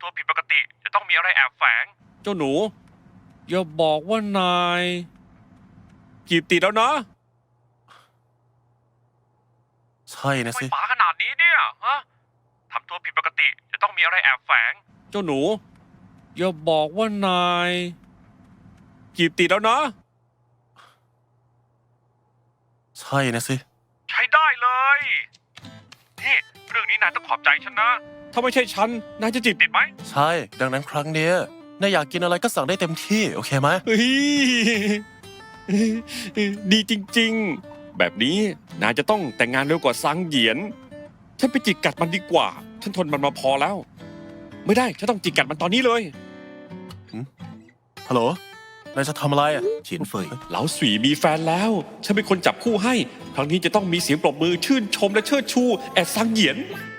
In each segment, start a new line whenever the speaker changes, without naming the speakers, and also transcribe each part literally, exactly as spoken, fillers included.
ตัวผิดปกติจะต้องมีอะไรแอบแฝงเจ้าหนูอย่าบอกว่านายจีบติดแล้วนะ
ใช่นะสิ
ไม่ป๋าขนาดนี้เนี่ยฮะทำตัวผิดปกติจะต้องมีอะไรแอบแฝงเจ้าหนูอย่าบอกว่านายจีบติดแล้วนะ
ใช่นะสิ
ใช้ได้เลยนี่เรื่องนี้นายต้องขอบใจฉันนะถ้าไม่ใช่ฉันนายจะจีบติดไหม
ใช่ดังนั้นครั้งเนี้ยนายอยากกินอะไรก็สั่งได้เต็มที่โอเคไหม
เฮ้ยดีจริงๆแบบนี้นายจะต้องแต่งงานเร็วกว่าซังเหยียนฉันไปจิกกัดมันดีกว่าฉันทนมันมาพอแล้วไม่ได้ฉันต้องจิกกัดมันตอนนี้เลย
ฮัลโหลนายจะทำอะไรอ่ะ
เฉียนเฟย
เหลาสวีมีแฟนแล้วฉันเป็นคนจับคู่ให้ครั้งนี้จะต้องมีเสียงปรบมือชื่นชมและเชิดชูแอดซังเหยียน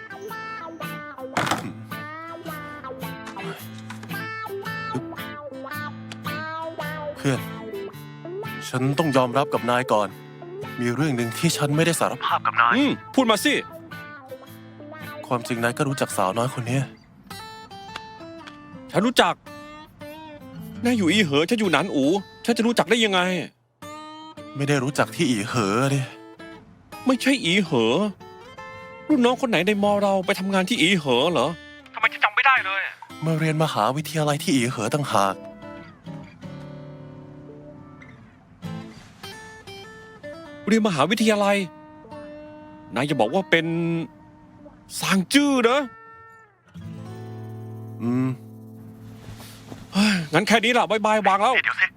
เพื่อนฉันต้องยอมรับกับนายก่อนมีเรื่องหนึ่งที่ฉันไม่ได้สารภาพกับนาย
อืมพูดมาสิ
ความจริงนายก็รู้จักสาวน้อยคนนี้
ฉันรู้จักนายอยู่อีเหอฉันอยู่หนานอูฉันจะรู้จักได้ยังไง
ไม่ได้รู้จักที่อีเหอดิ
ไม่ใช่อีเหอรุ่นน้องคนไหนในมอเราไปทำงานที่อีเหอเหรอทำไมฉันจำไม่ได้เลย
มาเรียนมหาวิทยาลัยที่อีเหอต่างหาก
เรียนมหาวิทยาลัยนายจะบอกว่าเป็นซางจื้อนะ
อืม
งั้นแค่นี้ล่ะบายบายวางแล้วเดี๋ยวสิ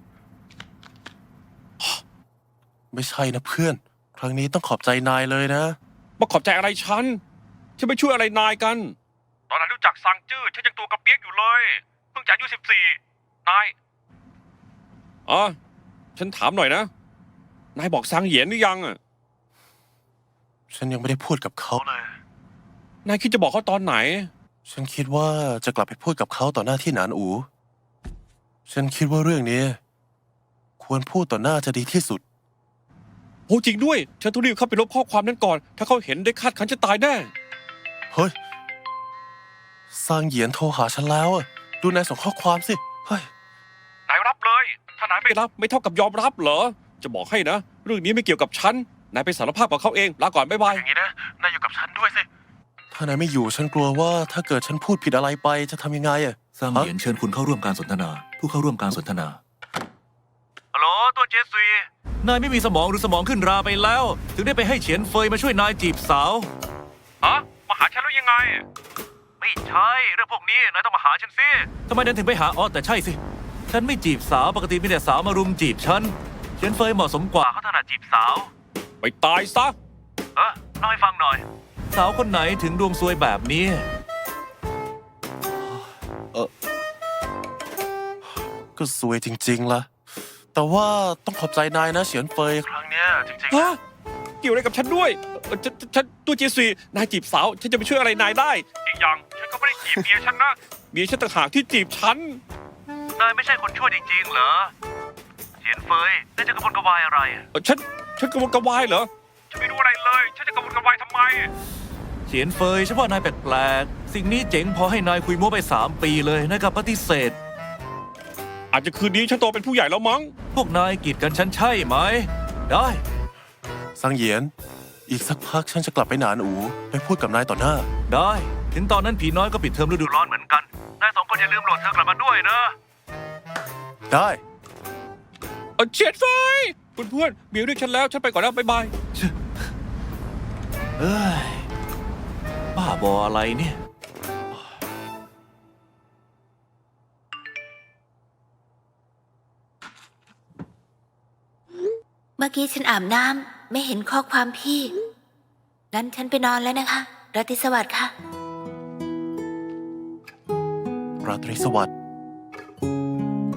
ไม่ใช่นะเพื่อนครั้งนี้ต้องขอบใจนายเลยนะ
มาขอบใจอะไรฉันฉันไม่ช่วยอะไรนายกันตอนนั้นรู้จักซางจื้อฉันยังตัวกระเปียกอยู่เลยเพิ่งจะอายุสิบสี่นายอ๋อฉันถามหน่อยนะนายบอกซางเหยียนหรือยังอ่ะ
ฉันยังไม่ได้พูดกับเขาเลย
นายคิดจะบอกเขาตอนไหน
ฉันคิดว่าจะกลับไปพูดกับเขาต่อหน้าที่หนานอูฉันคิดว่าเรื่องนี้ควรพูดต่อหน้าจะดีที่สุด
โอ้จริงด้วยฉันต้องรีบเข้าไปลบข้อความนั้นก่อนถ้าเขาเห็นได้คาดคันจะตายแน่
เฮ้ยซางเหยียนโทรหาฉันแล้วดูนายส่งข้อความสิเฮ้ย
นายรับเลยถ้านายไม่รับไม่เท่ากับยอมรับเหรอจะบอกให้นะเรื่องนี้ไม่เกี่ยวกับฉันนายไปสารภาพกับเขาเองลาก่อนบ๊ายบาย
อย่างนี้นะนายอยู่กับฉันด้วยสิถ้านายไม่อยู่ฉันกลัวว่าถ้าเกิดฉันพูดผิดอะไรไปจะทำยังไงอะ
ซางเหยียนเชิญคุณเข้าร่วมการสนทนาผู้เข้าร่วมการสนทนา
ฮัลโหลตัวเจสุย
นายไม่มีสมองหรือสมองขึ้นราไปแล้ว ถึงได้ไปให้เฉียนเฟยมาช่วยนายจีบสาว
ฮะมาหาฉันแล้วยังไงไม่ใช่เรื่องพวกนี้นายต้องมาหาฉันสิ
ทำไมนายถึงไปหาอ๋อแต่ใช่สิฉันไม่จีบสาวปกติมีแต่สาวมารุมจีบฉันเฉียนเฟยเหมาะสมกว่า
เขาถนัดจีบสาวไปตายซะเออเล่าให้ฟังหน่อย
สาวคนไหนถึงดวงซวยแบบนี้
เออก็ซวยจริงๆล่ะแต่ว่าต้องขอบใจนายนะเฉียนเฟยครั้งเนี้ยจริงๆ
ฮะเกี่ยวอะไรกับฉันด้วยฉันฉันตัวเจสุยนายจีบสาวฉันจะไปช่วยอะไรนายได้อีกอย่างฉันก็ไม่ได้จีบเมียฉันนะเมียฉันต่างหากที่จีบฉันนายไม่ใช่คนชั่วจริงๆเหรอเฉียนเฟยนายจะกระวนกระวายอะไรฉันฉันกระวนกระวายเหรอฉันไม่รู้อะไรเลยฉันจะกระวนกระวายทำไม
เฉียนเฟยเฉพาะนายแปลกๆสิ่งนี้เจ๋งพอให้นายคุยมั่วไปสามปีเลยนายกลับปฏิเสธ
อาจจะคืนนี้ฉันโตเป็นผู้ใหญ่แล้วมั้ง
พวกนายกีดกันฉันใช่ไหมได้
ซังเหยียนอีกสักพักฉันจะกลับไปหนานอูไปพูดกับนายต่อหน้า
ได้ถึงตอนนั้นผีน้อยก็ปิดเทอมฤดูร้อนเหมือนกัน
นายสองคนอย่าลืมโหลดเธอกลับมาด้วยนะ
ได้
เฉียนเฟยเพื่อนๆมีเรียกฉันแล้วฉันไปก่อนแล้วบ๊ายบาย
เอ้ยบ้าบออะไรเนี่ย
เมื่อกี้ฉันอาบน้ำไม่เห็นข้อความพี่งั้นฉันไปนอนแล้วนะคะราตรีสวัสดิ์ค่ะ
ราตรีสวัสดิ์